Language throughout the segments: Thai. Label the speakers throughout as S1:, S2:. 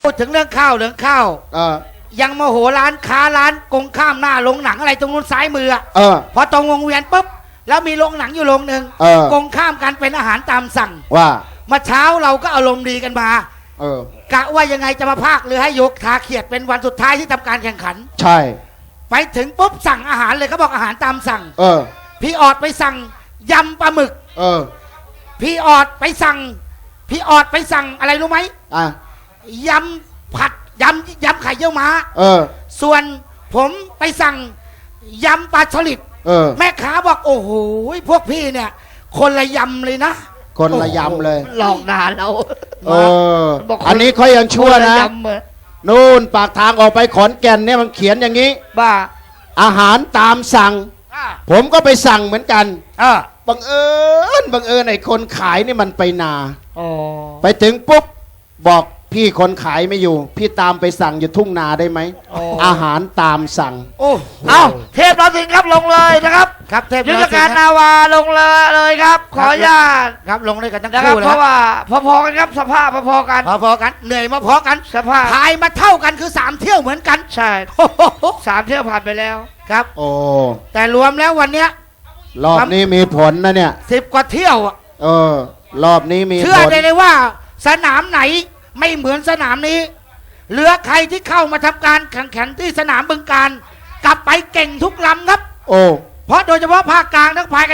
S1: พูดถึงเรื่องข้าวยังโมโหร้านค้าร้านกงข้ามหน้าโรงหนังอะไรตรงนู้นซ้ายมือพอตรงวงเวียนปุ๊บแล้วมีโรงหนังอยู่โรงหนึ่งกงข้ามกันเป็นอาหารตามสั่ง
S2: ว่า
S1: มาเช้าเราก็อารมณ์ดีกันมากะว่ายังไงจะมาพากเรือให้ยกทาเขียดเป็นวันสุดท้ายที่ทำการแข่งขัน
S2: ใช่
S1: ไปถึงปุ๊บสั่งอาหารเลยเขาบอกอาหารตามสั่งพี่ออดไปสั่งยำปลาหมึกพี่ออดไปสั่งอะไรรู้ไหมยำผัดยำไข่เยี่ยวม้าส่วนผมไปสั่งยำปลาสลิดแม่ค้าบอกโอ้โหพวกพี่เนี่ยคนละยำเลยนะ
S2: คนละยำเลย
S1: หลอกด่าเรา
S2: อันนี้เขายังชั่วนะนู่นปากทางออกไปขอนแก่นเนี่ยมันเขียนอย่างนี้
S1: บ้า
S2: อาหารตามสั่งผมก็ไปสั่งเหมือนกันบังเอิญไอ้คนขายนี่มันไปนาไปถึงปุ๊บบอกพี่คนขายไม่อยู่พี่ตามไปสั่งอยู่ทุ่งนาได้ไหมอาหารตามสั่ง
S1: เอาเทพนรสิงห์ครับลงเลยนะครับครับเทพยุทธการนาวาลงเลยครับขออนุญาตครับลงเลยกันทั้งคู่เลยเพราะว่าพอๆกันครับสภาพพอๆกันเหนื่อยมาพอกันสภาพพายมาเท่ากันคือ3เที่ยวเหมือนกันใช่3เที่ยวผ่านไปแล้วครับแต่รวมแล้ววันเนี้ย
S2: รอบนี้มีผลนะเนี่ย
S1: 10 กว่าเที่ยว
S2: รอบนี้มีผล
S1: เชื่อได้เลยว่าสนามไหนไม่เหมือนสนามนี้เหลือใครที่เข้ามาทำการแข่งขันที่สนามบึงการกลับไปเก่งทุกลำครับเพราะโดยเฉพาะภาคกลางต้องพายกัน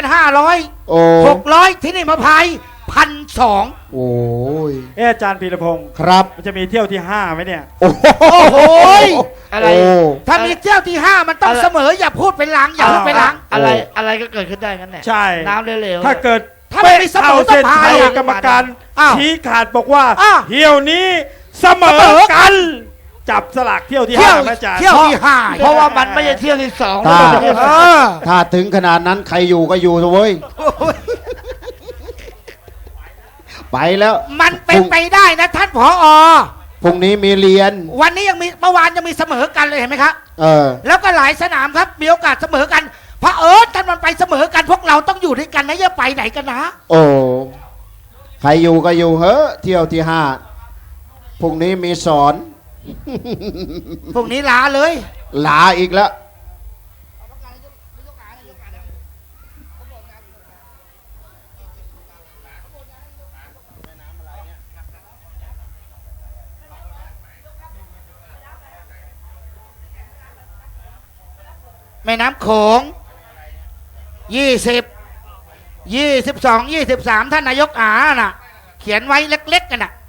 S1: 500 600ที่นี่มาพาย1,200
S2: โอ้ย
S3: อาจารย์พีรพงศ์
S2: ครับ
S3: มันจะมีเที่ยวที่5ไหมเนี่ย
S1: โอ้โหอะไรถ้ามีเที่ยวที่5มันต้องเสมออย่าพูดเป็นหลังอย่าพูดเป็นหลังอะไรก็เกิดขึ้นได้กันแน่
S3: ใช่
S1: น้ำเร็ว
S3: ถ้าเกิด
S1: ถ้าไม่เสมอต้องพาย
S3: กรรมการชี้ขาดบอกว่าเที่ยวนี้เสมอกันจับสลากเที่ยวที่5อาจารย์
S1: เที่ยวที่5เพราะว่ามันไม่ใช่เที่ยวที่
S2: 2ถ้าถึงขนาดนั้นใครอยู่ก็อยู่เว้ยไปแล้ว
S1: มันเป็นไปได้นะท่านผอ.
S2: พรุ่งนี้มีเรียน
S1: วันนี้ยังมีเมื่อวานยังมีเสมอกันเลยเห็นไหมครับแล้วก็หลายสนามครับมีโอกาสเสมอกันพระท่านมันไปเสมอกันพวกเราต้องอยู่ด้วยกันนะอย่าไปไหนกันนะ
S2: ใครอยู่ก็อยู่เฮ้เที่ยวที่5พรุ่งนี้มีสอน
S1: พรุ่งนี้ลาเลย
S2: ลาอีกแล้ว
S1: แม่น้ำโขง20 22 23ท่านนายกน่ะเขียนไว้เล็กๆกันน่ะ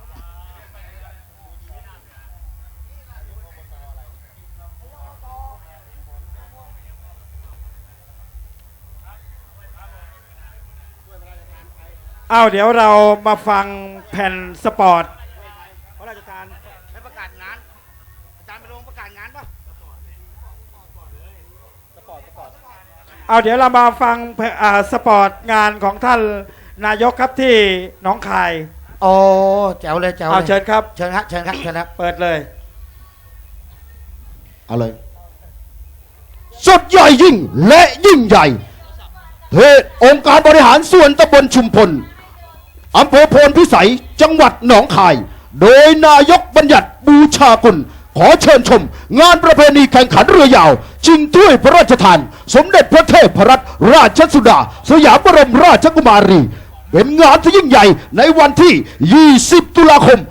S3: เดี๋ยวเรามาฟังแผ่นสปอร์ตพระราชทาน
S1: ให้ประกาศงานอาจารย์ไปลงประกาศงานป่ะ
S3: เดี๋ยวเรามาฟังสปอร์ตงานของท่านนายกครับที่หนองคาย
S1: แจ๋วเลย
S3: เชิญครับ
S1: เชิญครับ
S3: เปิดเลย
S2: เอาเลยสดใหญ่ยิ่งและยิ่งใหญ่เทศองค์การบริหารส่วนตำบลชุมพลอำเภอโพนพิสัยจังหวัดหนองคายโดยนายกบัญญัติบูชากุลขอเชิญชมงานประเพณีแข่งขันเรือยาวชิงถ้วยพระราชทานสมเด็จพระเทพรัตนราชสุดาสยามบรมราชกุมารีเป็นงานที่ยิ่งใหญ่ในวันที่ 20 ตุลาคม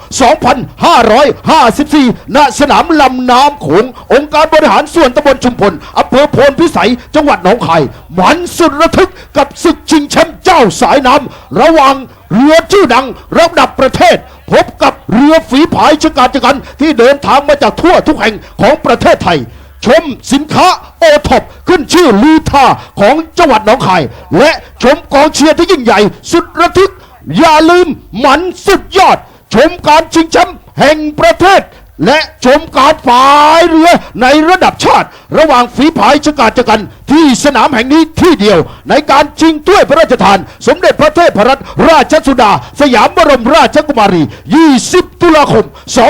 S2: 2554 ณ สนามลำน้ำโขงองค์การบริหารส่วนตำบลชุมพลอำเภอโพนพิสัยจังหวัดหนองคายมันสุดระทึกกับศึกชิงแชมป์เจ้าสายน้ำระหว่างเรือชื่อดังระดับประเทศพบกับเรือฝีผายชะกาจกันที่เดินทางมาจากทั่วทุกแห่งของประเทศไทยชมสินค้าโอท็อปขึ้นชื่อลือท่าของจังหวัดหนองคายและชมกองเชียร์ที่ยิ่งใหญ่สุดระทึกอย่าลืมมันสุดยอดชมการชิงแชมป์แห่งประเทศและชมการพายเรือในระดับชาติระหว่างฝีพายชะกาจกันที่สนามแห่งนี้ที่เดียวในการชิงถ้วยพระราชทานสมเด็จพระเทพรัตนราชสุดาสยามบรมราชกุมารี 20 ตุลาคม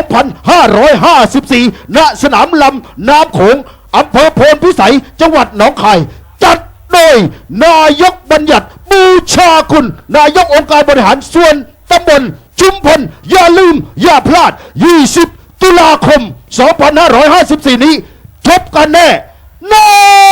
S2: 2554 ณ สนามลำน้ำโขงอำเภอโพนพิสัยจังหวัดหนองคายจัดโดยนายกบัญญัติบูชาคุณนายกองค์การบริหารส่วนตำบลชุมพลอย่าลืมอย่าพลาด 20 ตุลาคม 2554 นี้จบกันแน่นอน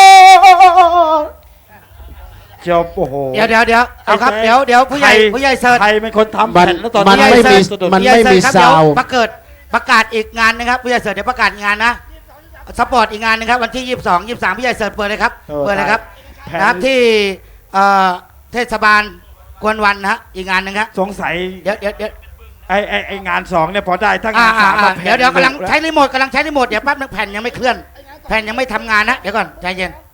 S3: จบโอ้โห
S1: เดี๋ยวเอาครับเดี๋ยวผู้ใหญ่เสิร์ช
S3: ใครเป็นคนทำ
S2: มัน
S3: แผ่นแล้วตอน
S2: มัน
S3: นี้
S2: ไม่มี
S3: สะดุด
S2: มัน
S1: ผู้ใหญ่เสิร์ชครับ
S2: ซาวด์
S1: เดี๋ยวประกาศอีกงานนะครับผู้ใหญ่เสิร์ชเดี๋ยวประกาศงานนะสปอร์ตอีกงานนะครับวันที่ 22 23ผู้ใหญ่เสิร์ชเปิดเลยครับเปิดเลยครับ
S3: แผ่น
S1: นะครับที่เทศบาลกวนวันนะฮะอีกงานหนึงครับ
S3: สงสัย
S1: เดี๋ยว
S3: ไองาน2เนี่ยพอได้ถ้างาน3มาแผ่น
S1: เดี๋ยวกำลังใช้รีโมทเดี๋ยวแป๊บนึงแผ่นยังไม่เคลื่อนแผ่นยังไม่ทำงานนะเดี๋ยวก่อนใจเย็น